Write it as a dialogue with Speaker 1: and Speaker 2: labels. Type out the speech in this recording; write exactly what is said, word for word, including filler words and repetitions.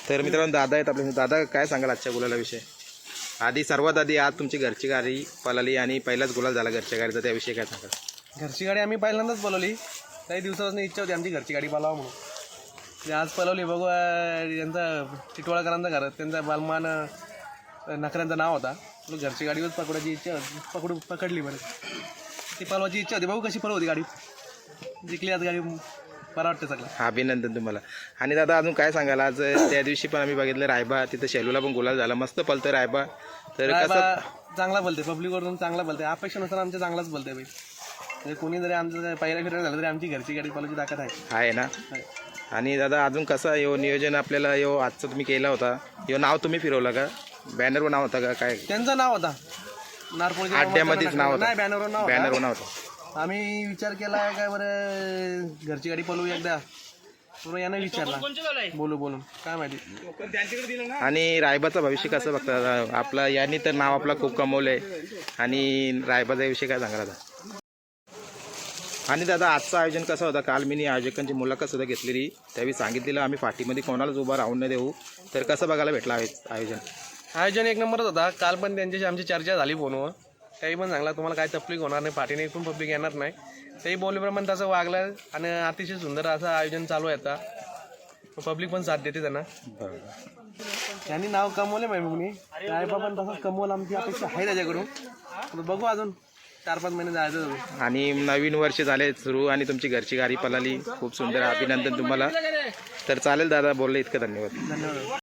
Speaker 1: तर मित्रांनो दादा आहेत आपले. दादा काय सांगाल आजच्या गुलालाविषयी? आधी सर्वात आधी आज तुमची घरची गाडी पळाली आणि पहिलाच गुलाल झाला घरच्या गाडीचा, त्याविषयी काय सांगाल?
Speaker 2: घरची गाडी आम्ही पहिल्यांदाच पळवली. काही दिवसापासून इच्छा होती आमची घरची गाडी पळावं म्हणून. ते आज पळवली. बघू त्यांचा टिटवाळकरांचा घर, त्यांचा बालमान नखऱ्यांचं नाव होता. घरची गाडीवर पकडण्याची इच्छा पकडू पकडली बरं. ती पळवायची इच्छा होती. बघू कशी पळवती गाडी. जिंकली आज गाडी, बरं वाटतं सगळं.
Speaker 1: अभिनंदन तुम्हाला. आणि दादा अजून काय सांगाल? आज त्या दिवशी पण आम्ही बघितलं रायबा, तिथं शेलूला पण गुलाल झाला, मस्त पळतं रायबा. तर कसं
Speaker 2: चांगला बोलते, पब्लिकवरून चांगला बोलते. अपेक्षा नसताना आमच्या चांगलाच बोलते बाई. म्हणजे कोणी जरी आमचं पहिल्या फिरायला झालं तरी आमची घरची गाडी पळवायची ताकद आहे
Speaker 1: आहे ना. आणि दादा अजून कसं यो नियोजन आपल्याला यो आजचं तुम्ही केला होता, यो नाव तुम्ही फिरवलं का? बॅनरवर नाव होता का काय?
Speaker 2: त्यांचं नाव होता नारपोळच्या
Speaker 1: अड्ड्यामध्येच नाव होतं.
Speaker 2: नाही, बॅनरवर नाव होतं.
Speaker 1: बॅनरवर नाव होतं.
Speaker 2: आम्ही विचार केला काय बरं घरची गाडी पळवू एकदा, पूर्ण यानं विचारला बोलू बोलून काय माहिती.
Speaker 1: आणि रायबाचं भविष्य कसं बघता? आपला यांनी तर नाव आपला खूप कमवलंय. आणि रायबाचा विषय काय सांगा दादा? आणि दादा आजचं आयोजन कसं होतं? काल मी आयोजकांची मुलाखत सुद्धा घेतलेली, त्यावेळी सांगितलेलं आम्ही पाठीमध्ये कोणालाच उभा राहून नाही देऊ. तर कसं बघायला भेटलं आयोजन?
Speaker 2: आयोजन एक नंबरच होता. काल पण त्यांच्याशी आमची चर्चा झाली फोनवर. त्याही पण सांगला तुम्हाला काय तकलीफ होणार नाही, पाठीने पण पब्लिक येणार नाही. तेही बोलल्याप्रमाणे तसं वागलं आणि अतिशय सुंदर असं आयोजन चालू आहे आता. पब्लिक पण साथ देते त्यांना. त्यांनी नाव कमवले माहिती कुणी रायबा पण तसंच कमवलं, आमची अपेक्षा आहे त्याच्याकडून. बघू अजून चार पाच महिने जायचं.
Speaker 1: आणि नवीन वर्ष झाले सुरू आणि तुमची घरची गाडी पळाली, खूप सुंदर. अभिनंदन तुम्हाला. तर चालेल दादा, बोलले इतकं धन्यवाद.
Speaker 2: धन्यवाद.